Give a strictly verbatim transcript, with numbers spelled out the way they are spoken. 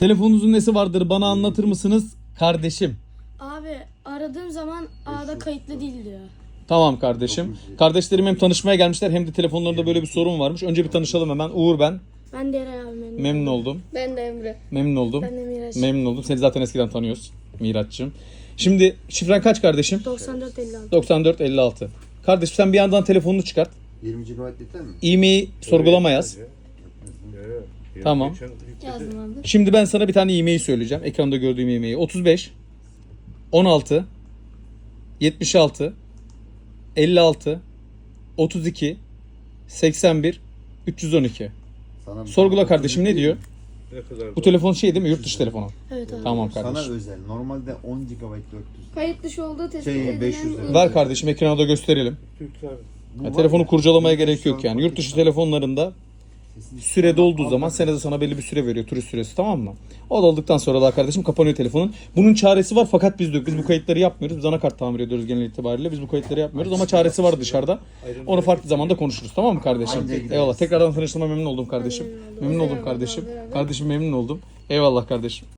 Telefonunuzun nesi vardır bana anlatır mısınız kardeşim? Abi aradığım zaman A'da kayıtlı değil diyor. Tamam kardeşim. Kardeşlerim hem tanışmaya gelmişler hem de telefonlarında böyle bir sorun varmış. Önce bir tanışalım hemen. Uğur ben. Ben de Eray abi memnun. Memnun oldum. Ben de Emre. Memnun oldum. Ben de Miraç. Memnun oldum. Seni zaten eskiden tanıyoruz Miraç'cığım. Şimdi şifren kaç kardeşim? doksan dört elli altı. doksan dört elli altı. Kardeşim sen bir yandan telefonunu çıkart. yirmi gigabayt yeter mi? E-mail'i sorgulama yaz. Tamam. Yazdım abi. Şimdi ben sana bir tane e-mail söyleyeceğim. Ekranda gördüğüm e-maili. otuz beş on altı yetmiş altı elli altı otuz iki seksen bir üç yüz on iki. Sana Sorgula kardeşim ne diyor? Ne kadar Bu telefon şey değil mi? Yurt dışı telefonu. Evet abi. Tamam Sana kardeşim. özel. Normalde on gigabayt dört yüz. Kayıt dışı olduğu tespit Şey, edilen... beş yüz lira. Ver kardeşim ekrana da gösterelim. Türkler. Bu Ya, var telefonu ya, kurcalamaya yurt dışı gerek yok şu an yani. Yurt dışı Pakistan telefonlarında sesini süre çıkarma, dolduğu zaman alma. senede sana belli bir süre veriyor. Turist süresi, tamam mı? O doldıktan sonra da kardeşim kapanıyor telefonun. Bunun çaresi var fakat biz de yok. Biz bu kayıtları yapmıyoruz. Biz anakart tamir ediyoruz genel itibariyle. Biz bu kayıtları yapmıyoruz ama çaresi var dışarıda. Onu farklı zamanda konuşuruz, tamam mı kardeşim? Anca gideriz. Eyvallah. Tekrardan tanıştığıma memnun oldum kardeşim. Memnun oldum kardeşim. Kardeşim memnun oldum. Eyvallah kardeşim.